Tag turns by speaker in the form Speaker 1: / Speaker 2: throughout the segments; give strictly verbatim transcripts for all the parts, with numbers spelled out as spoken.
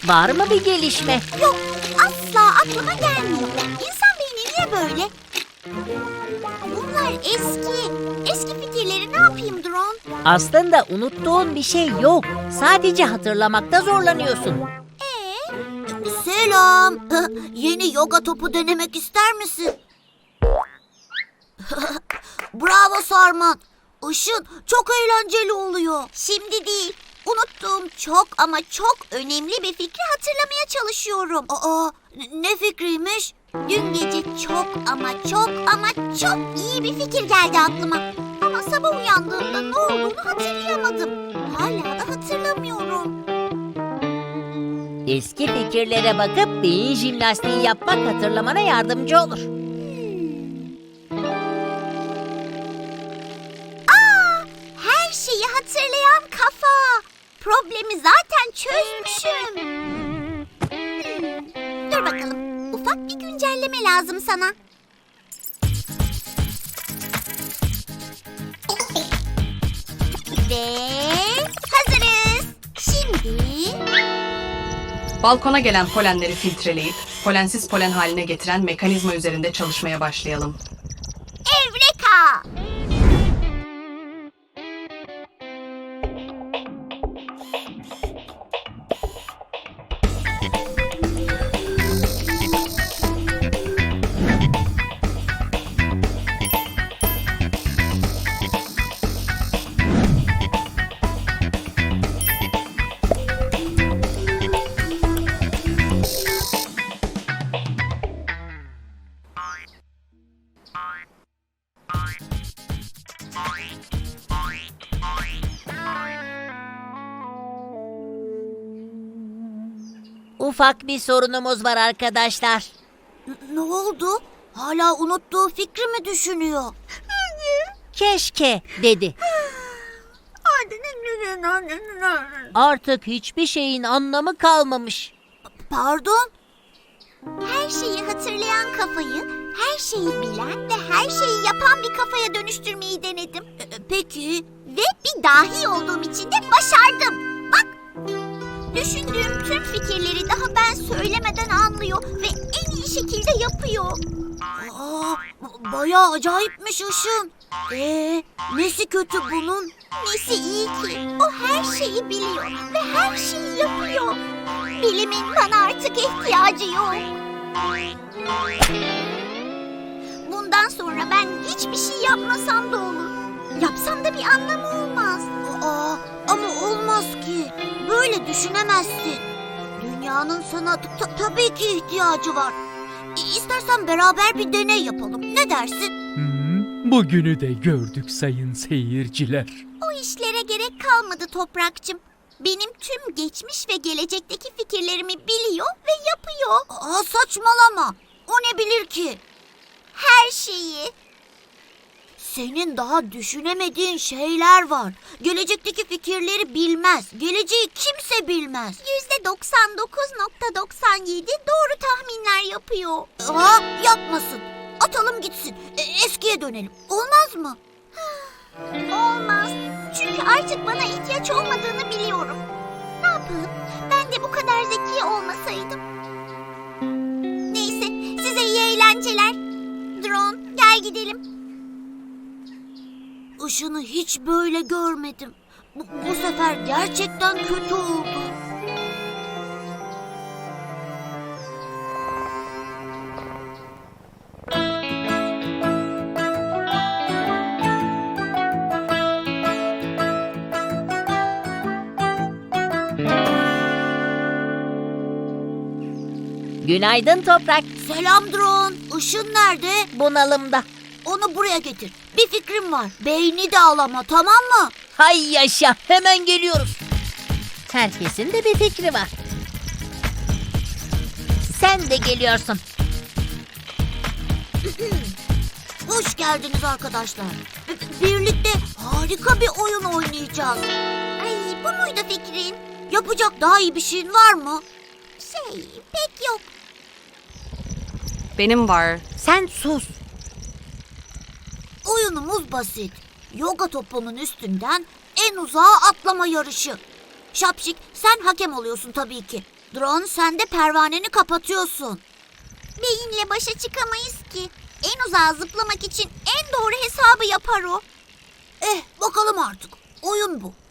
Speaker 1: Var mı bir gelişme?
Speaker 2: Yok, asla aklıma gelmiyor. İnsan beyni niye böyle? Bunlar eski. Eski fikirleri ne yapayım Drone?
Speaker 1: Aslında unuttuğun bir şey yok. Sadece hatırlamakta zorlanıyorsun.
Speaker 2: Ee? Selam. Yeni yoga topu denemek ister misin? Bravo Sarman. Işın çok eğlenceli oluyor. Şimdi değil. Unuttuğum çok ama çok önemli bir fikri hatırlamaya çalışıyorum. Aa, ne fikriymiş? Dün gece çok ama çok ama çok iyi bir fikir geldi aklıma. Ama sabah uyandığımda ne olduğunu hatırlayamadım. Hala da hatırlamıyorum.
Speaker 1: Eski fikirlere bakıp beyin jimnastiği yapmak hatırlamana yardımcı olur.
Speaker 2: Aa, her şeyi hatırlayan kafa. Problemi zaten çözmüşüm. Hmm, dur bakalım. Ufak bir güncelleme lazım sana. Ve hazırız. Şimdi...
Speaker 3: Balkona gelen polenleri filtreleyip polensiz polen haline getiren mekanizma üzerinde çalışmaya başlayalım.
Speaker 2: Evreka!
Speaker 1: Ufak bir sorunumuz var arkadaşlar.
Speaker 2: N- ne oldu? Hala unuttuğu fikri mi düşünüyor?
Speaker 1: Keşke dedi. Artık hiçbir şeyin anlamı kalmamış.
Speaker 2: Pardon? Her şeyi hatırlayan kafayı, her şeyi bilen ve her şeyi yapan bir kafaya dönüştürmeyi denedim. E, peki? Ve bir dahi olduğum için de başardım. Bak! Düşündüğüm tüm fikirleri daha ben söylemeden anlıyor ve en iyi şekilde yapıyor. Aa, bayağı acayipmiş Işın. Ee, nesi kötü bunun? Nesi iyi ki? O her şeyi biliyor ve her şeyi yapıyor. Bilimin bana artık ihtiyacı yok. Bundan sonra ben hiçbir şey yapmasam da olur. Yapsam da bir anlamı olmaz. Aa, ama olmaz ki. Böyle düşünemezsin. Dünyanın sana ta- tabii ki ihtiyacı var. İ- İstersen beraber bir deney yapalım. Ne dersin?
Speaker 4: Hmm, bugünü de gördük sayın seyirciler.
Speaker 2: O işlere gerek kalmadı Toprakçım. Benim tüm geçmiş ve gelecekteki fikirlerimi biliyor ve yapıyor. Aa, saçmalama. O ne bilir ki? Her şeyi. Senin daha düşünemediğin şeyler var. Gelecekteki fikirleri bilmez. Geleceği kimse bilmez. Yüzde doksan dokuz nokta doksan yedi doğru tahminler yapıyor. Aa, yapmasın. Atalım gitsin. E, eskiye dönelim. Olmaz mı? Olmaz. Çünkü artık bana ihtiyaç olmadığını biliyorum. Ne yapalım? Ben de bu kadar zeki olmasaydım. Neyse, size iyi eğlenceler. Drone, gel gidelim. Işını hiç böyle görmedim. Bu, bu sefer gerçekten kötü oldu.
Speaker 1: Günaydın Toprak.
Speaker 2: Selam Drone. Işın nerede?
Speaker 1: Bunalımda.
Speaker 2: Onu buraya getir. Bir fikrim var. Beyni de al ama, tamam mı?
Speaker 1: Hay yaşa, hemen geliyoruz. Herkesin de bir fikri var. Sen de geliyorsun.
Speaker 2: Hoş geldiniz arkadaşlar. B- Birlikte harika bir oyun oynayacağız. Ay, bu muydu fikrin? Yapacak daha iyi bir şeyin var mı? Şey, pek yok.
Speaker 3: Benim var.
Speaker 1: Sen sus.
Speaker 2: Oyunumuz basit. Yoga topunun üstünden en uzağa atlama yarışı. Şapşik, sen hakem oluyorsun tabii ki. Drone, sen de pervaneni kapatıyorsun. Beyinle başa çıkamayız ki. En uzağa zıplamak için en doğru hesabı yapar o. Eh, bakalım artık. Oyun bu.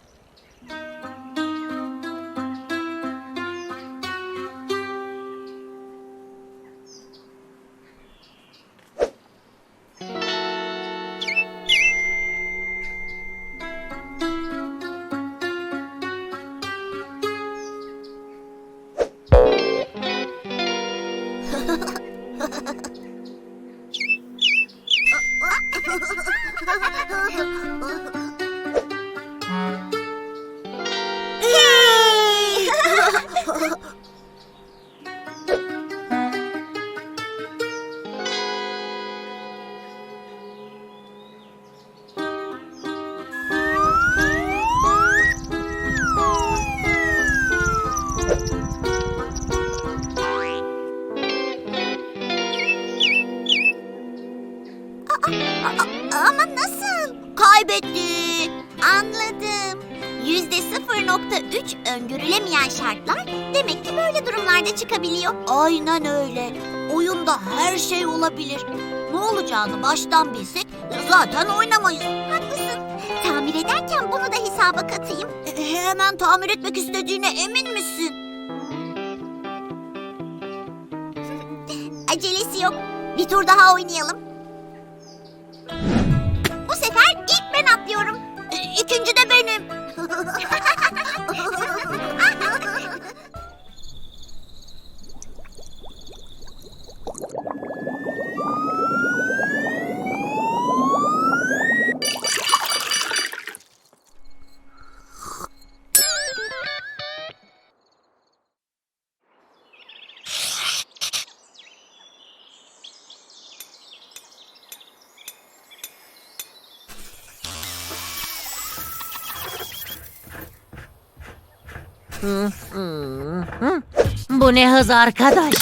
Speaker 2: Ama nasıl? Kaybetti. Anladım. Yüzde sıfır nokta üç öngörülemeyen şartlar demek ki böyle durumlarda çıkabiliyor. Aynen öyle. Oyunda her şey olabilir. Ne olacağını baştan bilsek zaten oynamayız. Haklısın. Tamir ederken bunu da hesaba katayım. E, hemen tamir etmek istediğine emin misin? Acelesi yok. Bir tur daha oynayalım. Bu sefer ilk ben atlıyorum. E, İkinci de benim.
Speaker 1: Bu ne hız arkadaş?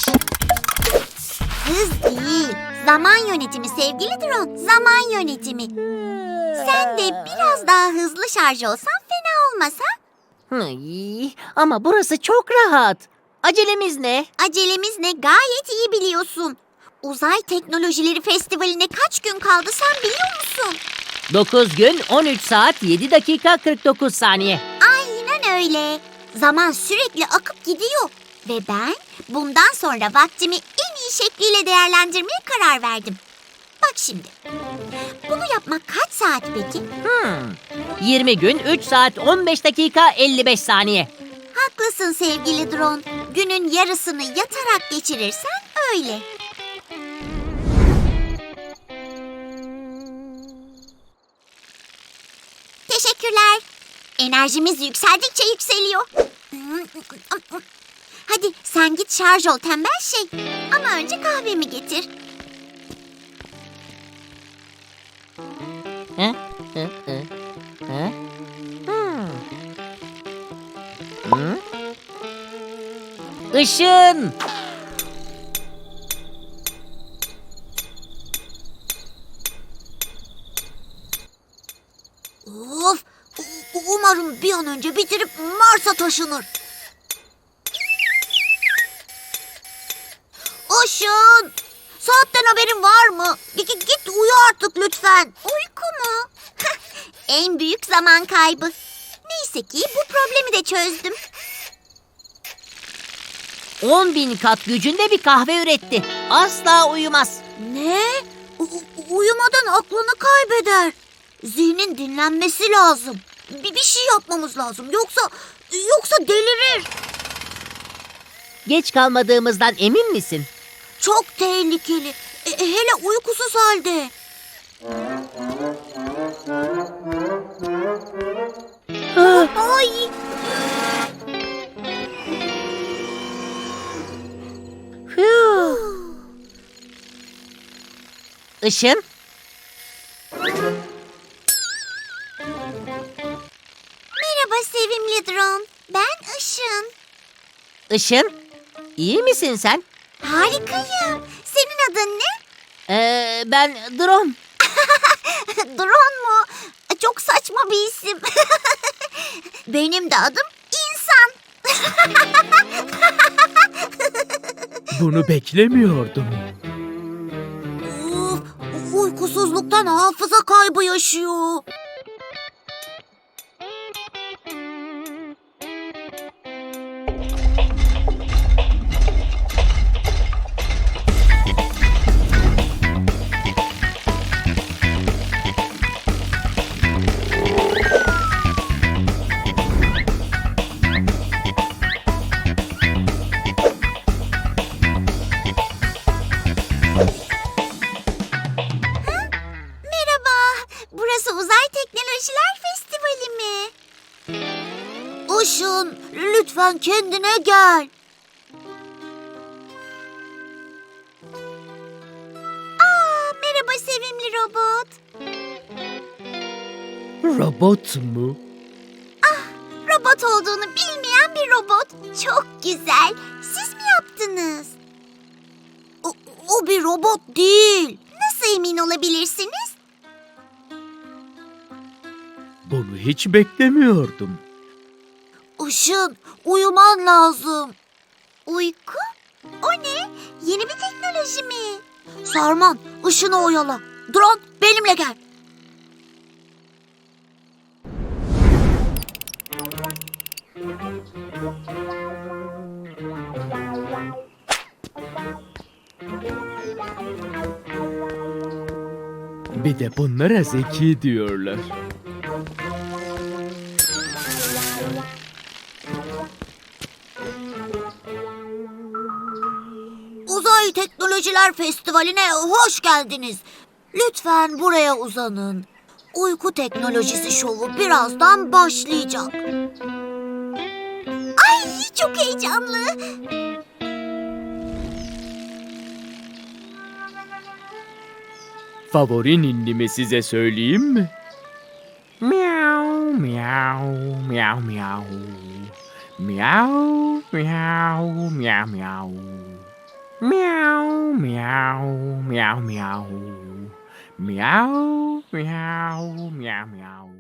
Speaker 2: Hız değil, zaman yönetimi sevgili drone. Zaman yönetimi. Sen de biraz daha hızlı şarj olsan fena olmaz ha?
Speaker 1: Ay, ama burası çok rahat. Acelemiz ne?
Speaker 2: Acelemiz ne gayet iyi biliyorsun. Uzay Teknolojileri Festivali'ne kaç gün kaldı sen biliyor musun?
Speaker 1: dokuz gün on üç saat yedi dakika kırk dokuz saniye.
Speaker 2: Aynen öyle. Zaman sürekli akıp gidiyor. Ve ben bundan sonra vaktimi en iyi şekliyle değerlendirmeye karar verdim. Bak şimdi. Bunu yapmak kaç saat peki?
Speaker 1: Hmm. yirmi gün üç saat on beş dakika elli beş saniye.
Speaker 2: Haklısın sevgili drone. Günün yarısını yatarak geçirirsen öyle. Teşekkürler. Enerjimiz yükseldikçe yükseliyor. Hadi sen git şarj ol tembel şey. Ama önce kahvemi getir.
Speaker 1: Hı? Hı? Hı? Hı? Hmm. Hı? Işın!
Speaker 2: Of! U- Umarım bir an önce bitirip Mars'a taşınır. Işın! Saatten haberin var mı? Git, git uyu artık lütfen. Uyku mu? En büyük zaman kaybı. Neyse ki bu problemi de çözdüm.
Speaker 1: on bin kat gücünde bir kahve üretti. Asla uyumaz.
Speaker 2: Ne? U- uyumadan aklını kaybeder. Zihnin dinlenmesi lazım. Bir, bir şey yapmamız lazım. Yoksa yoksa delirir.
Speaker 1: Geç kalmadığımızdan emin misin?
Speaker 2: Çok tehlikeli. E, hele uykusuz halde. Ay.
Speaker 1: Işın?
Speaker 2: Merhaba sevimli drone. Ben Işın.
Speaker 1: Işın? İyi misin sen?
Speaker 2: Harikayım. Senin adın ne?
Speaker 1: Ee, ben Drone.
Speaker 2: Drone mu? Çok saçma bir isim. Benim de adım İnsan.
Speaker 4: Bunu beklemiyordum.
Speaker 2: Uf, uykusuzluktan hafıza kaybı yaşıyor. Merhaba, burası Uzay Teknolojiler Festivali mi? Işın, lütfen kendine gel. Aa, merhaba sevimli robot.
Speaker 4: Robot mu?
Speaker 2: Robot olduğunu bilmeyen bir robot. Çok güzel. Siz mi yaptınız? O, o bir robot değil. Nasıl emin olabilirsiniz?
Speaker 4: Bunu hiç beklemiyordum.
Speaker 2: Işın, uyuman lazım. Uyku? O ne? Yeni bir teknoloji mi? Sarman, Işın'ı oyala. Drone, benimle gel.
Speaker 4: Bir de bunlara zeki diyorlar.
Speaker 2: Uzay Teknolojiler Festivali'ne hoş geldiniz. Lütfen buraya uzanın. Uyku teknolojisi şovu birazdan başlayacak. Ay, çok heyecanlı.
Speaker 4: Favori ninnimi size söyleyeyim mi? Miau miau miau miau. Miau miau miau miau. Miau miau miau miau. Miau miau miau miau.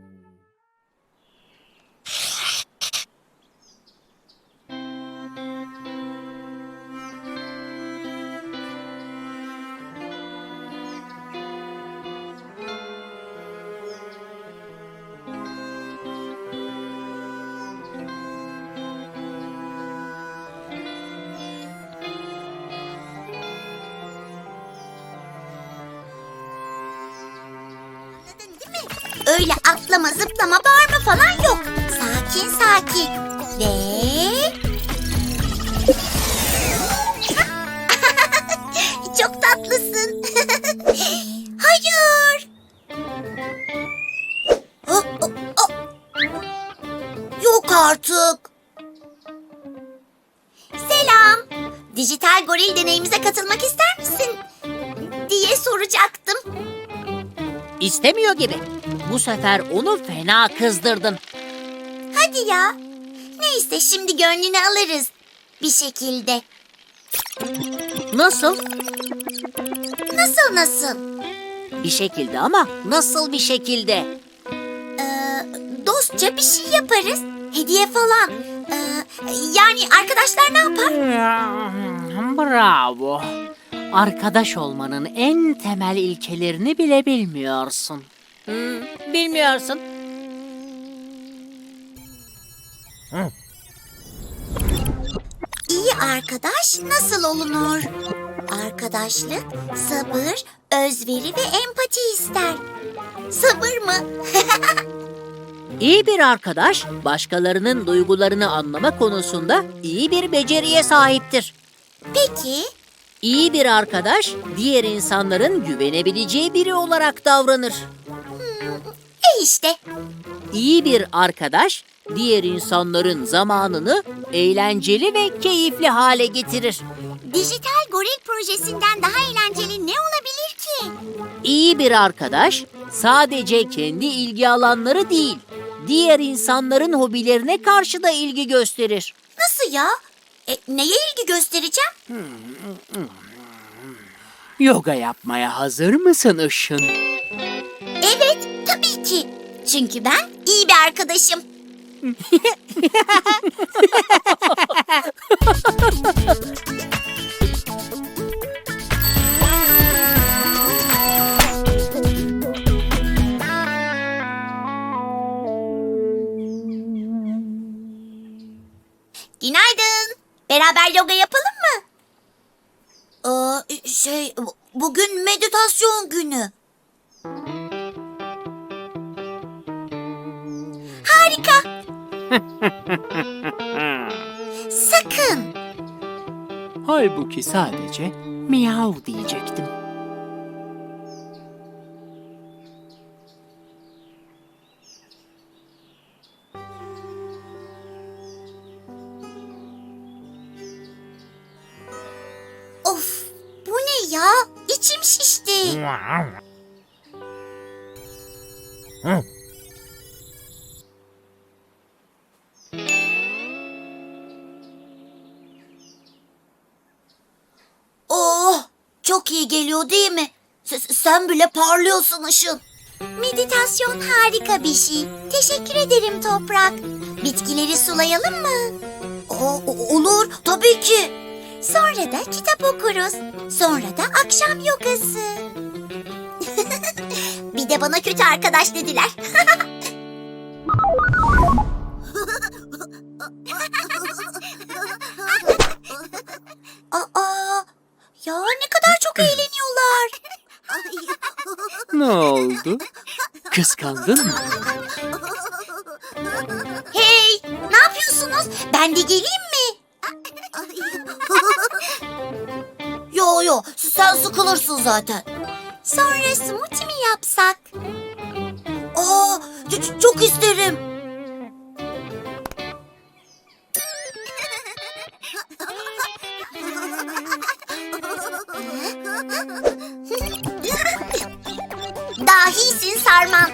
Speaker 2: Değil mi? Öyle atlama, zıplama, bağırma falan yok. Sakin sakin. Ve... Çok tatlısın. Hayır. Oh, oh, oh. Yok artık. Selam. Dijital goril deneyimize katılmak ister misin? Diye soracaktım.
Speaker 1: İstemiyor gibi. Bu sefer onu fena kızdırdın.
Speaker 2: Hadi ya. Neyse şimdi gönlünü alırız. Bir şekilde.
Speaker 1: Nasıl?
Speaker 2: Nasıl nasıl?
Speaker 1: Bir şekilde ama nasıl bir şekilde?
Speaker 2: Ee, dostça bir şey yaparız. Hediye falan. Ee, yani arkadaşlar ne yapar?
Speaker 1: Bravo. Arkadaş olmanın en temel ilkelerini bile bilmiyorsun. Hmm, bilmiyorsun.
Speaker 2: İyi arkadaş nasıl olunur? Arkadaşlık, sabır, özveri ve empati ister. Sabır mı?
Speaker 1: İyi bir arkadaş, başkalarının duygularını anlama konusunda iyi bir beceriye sahiptir.
Speaker 2: Peki,
Speaker 1: İyi bir arkadaş, diğer insanların güvenebileceği biri olarak davranır.
Speaker 2: e işte.
Speaker 1: İyi bir arkadaş, diğer insanların zamanını eğlenceli ve keyifli hale getirir.
Speaker 2: Dijital goril projesinden daha eğlenceli ne olabilir ki?
Speaker 1: İyi bir arkadaş, sadece kendi ilgi alanları değil, diğer insanların hobilerine karşı da ilgi gösterir.
Speaker 2: Nasıl ya? E, neye ilgi göstereceğim?
Speaker 4: Yoga yapmaya hazır mısın Işın?
Speaker 2: Evet, tabii ki. Çünkü ben iyi bir arkadaşım. Günaydın. Beraber yoga yapalım mı? Aa, şey, bu- bugün meditasyon günü. Harika. Sakın.
Speaker 1: Halbuki sadece miyav diyecektim.
Speaker 2: Of, bu ne ya? İçim şişti. Oh, çok iyi geliyor değil mi? S- sen bile parlıyorsun Işın. Meditasyon harika bir şey. Teşekkür ederim Toprak. Bitkileri sulayalım mı? O- o- olur, tabii ki. Sonra da kitap okuruz. Sonra da akşam yogası. Bir de bana kötü arkadaş dediler. Aa, ya ne kadar çok eğleniyorlar.
Speaker 1: Ne oldu? Kıskandın mı?
Speaker 2: Hey, ne yapıyorsunuz? Ben de geleyim mi? Yo yo, sen sıkılırsın zaten. Sonra smoothie mi yapsak? Aa, ç- çok isterim. Dahisin Sarman.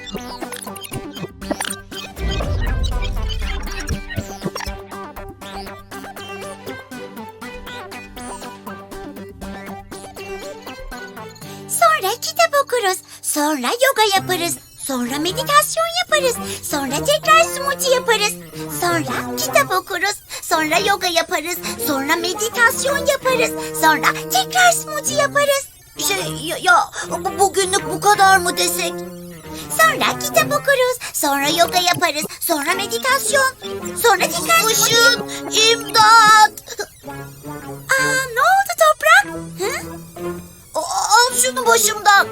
Speaker 2: Sonra kitap okuruz. Sonra yoga yaparız. Sonra meditasyon yaparız. Sonra tekrar smoothie yaparız. Sonra kitap okuruz. Sonra yoga yaparız. Sonra meditasyon yaparız. Sonra tekrar smoothie yaparız. Şey ya, ya bu- bugünlük bu kadar mı desek? Sonra kitap okuruz. Sonra yoga yaparız. Sonra meditasyon. Sonra tekrar Işın, imdat! Aa, ne oldu Toprak? Hı? A- Al şunu başımdan.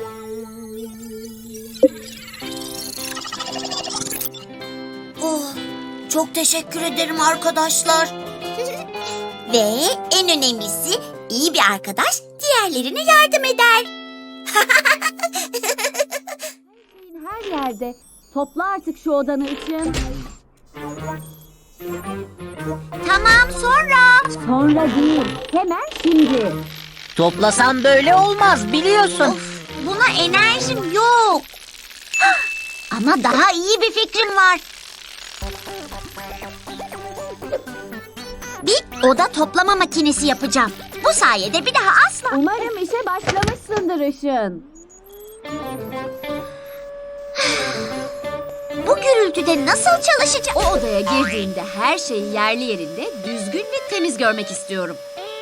Speaker 2: Oh, çok teşekkür ederim arkadaşlar. Ve en önemlisi iyi bir arkadaş diğerlerine yardım eder.
Speaker 5: Her yerde. Topla artık şu odanı için.
Speaker 2: Tamam, sonra.
Speaker 5: Sonra değil, hemen şimdi.
Speaker 1: Toplasan böyle olmaz biliyorsun.
Speaker 2: Of, buna enerjim yok. Hah, ama daha iyi bir fikrim var. Bir oda toplama makinesi yapacağım. Bu sayede bir daha asla...
Speaker 5: Umarım işe başlamışsındır Işın.
Speaker 2: Bu gürültüde nasıl çalışacağım?
Speaker 5: O odaya girdiğinde her şeyi yerli yerinde, düzgün ve temiz görmek istiyorum.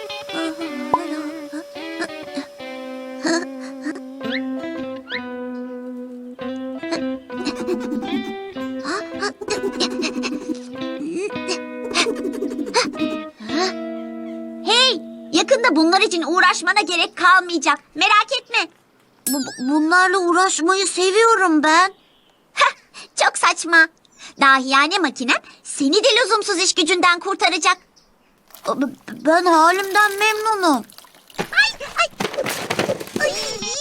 Speaker 2: Hey, yakında bunlar için uğraşmana gerek kalmayacak. Merak etme. Bu- bunlarla uğraşmayı seviyorum ben. Heh, çok saçma. Dahiyane makinem seni de lüzumsuz iş gücünden kurtaracak. B- Ben halimden memnunum. Ay, ay. Ay.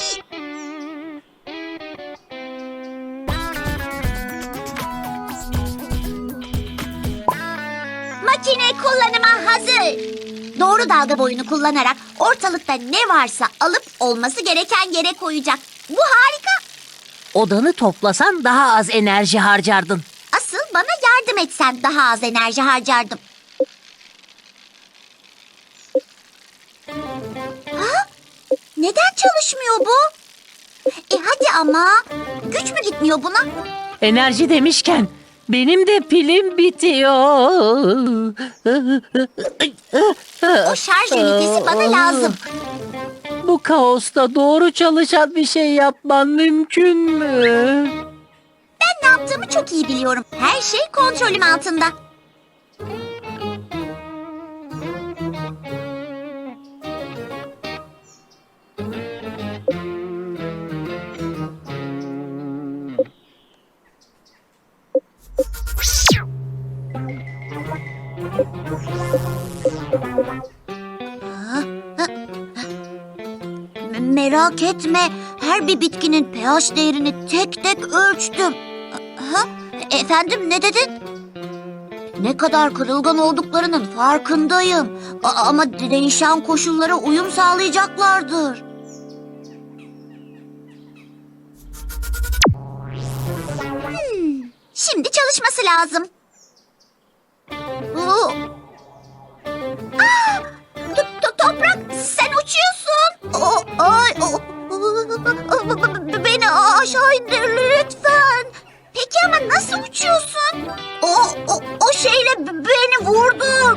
Speaker 2: Makine kullanıma hazır. Doğru dalga boyunu kullanarak ortalıkta ne varsa alıp olması gereken yere koyacak. Bu harika.
Speaker 1: Odanı toplasan daha az enerji harcardın.
Speaker 2: Asıl bana yardım etsen daha az enerji harcardım. Ha? Neden çalışmıyor bu? E hadi ama. Güç mü gitmiyor buna?
Speaker 1: Enerji demişken Benim de pilim bitiyor.
Speaker 2: O şarj ünitesi bana lazım.
Speaker 1: Bu kaosta doğru çalışan bir şey yapman mümkün mü?
Speaker 2: Ben ne yaptığımı çok iyi biliyorum. Her şey kontrolüm altında. Me- Merak etme. Her bir bitkinin pH değerini tek tek ölçtüm. Ha? Efendim ne dedin? Ne kadar kırılgan olduklarının farkındayım. A- ama değişen koşullara uyum sağlayacaklardır. Hmm, şimdi çalışması lazım. Oo. Aa, to- to- toprak sen uçuyorsun. O, ay, o, beni aşağı indir lütfen. Peki ama nasıl uçuyorsun? O, o, o şeyle beni vurdun.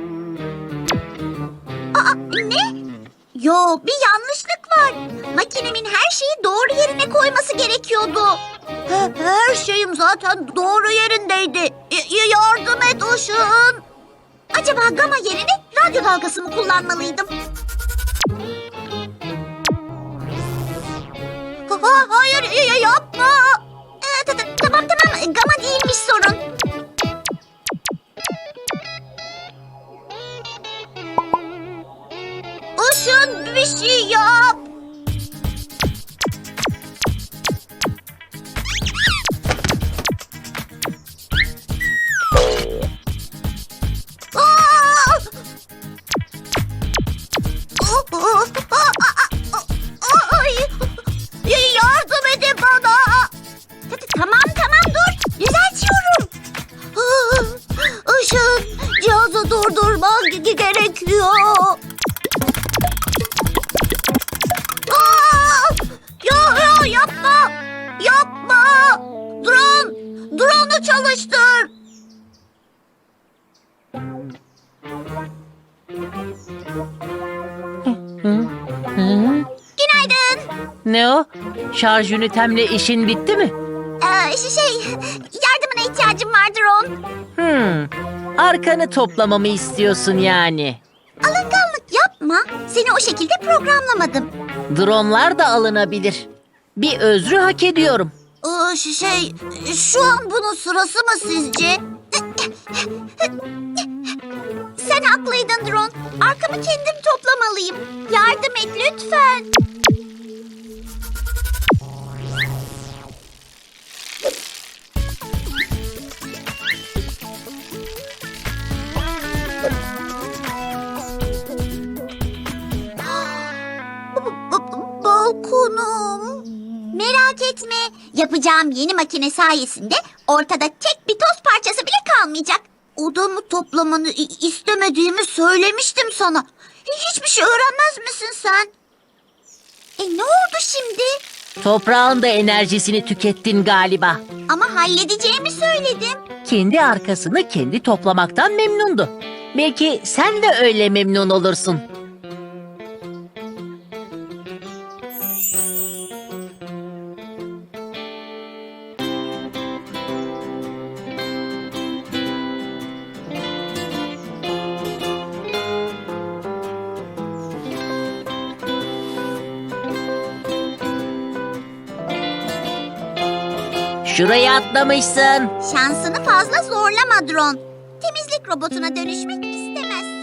Speaker 2: Aa, ne? Yo, bir yanlışlık var. Makinemin her şeyi doğru yerine koyması gerekiyordu. He- Her şeyim zaten doğru yerindeydi. Y- yardım et Işın. Acaba gama yerine radyo dalgası mı kullanmalıydım? Ha, hayır y- y- yapma. Ee, ta- ta- tamam tamam gama değilmiş sorun. Işın bir şey yap. Aa! Ay! Yardım edin bana. Tamam tamam dur. Düzeltiyorum. Işın cihazı durdurman ge- gerekiyor. Aa! Ya, ya yapma. Yapma. Drone. Drone'u çalıştır. Günaydın.
Speaker 1: Ne o? Şarj ünitemle işin bitti mi?
Speaker 2: Ee, şey, yardımına ihtiyacım var Drone.
Speaker 1: Hmm. Arkanı toplamamı istiyorsun yani.
Speaker 2: Alınganlık yapma. Seni o şekilde programlamadım.
Speaker 1: Dronlar da alınabilir. Bir özrü hak ediyorum.
Speaker 2: Ee, ş- şey, şu an bunun sırası mı sizce? Sen haklıydın Drone. Arkamı kendim toplamalıyım. Yardım et lütfen. B- b- Balkonum. Merak etme. Yapacağım yeni makine sayesinde ortada tek bir toz parçası bile kalmayacak. Odamı toplamanı i- istemediğimi söylemiştim sana. Hiçbir şey öğrenmez misin sen? E ne oldu şimdi?
Speaker 1: Toprağın da enerjisini tükettin galiba.
Speaker 2: Ama halledeceğimi söyledim.
Speaker 1: Kendi arkasını kendi toplamaktan memnundu. Belki sen de öyle memnun olursun. Şuraya atlamışsın.
Speaker 2: Şansını fazla zorlama Drone. Temizlik robotuna dönüşmek istemez.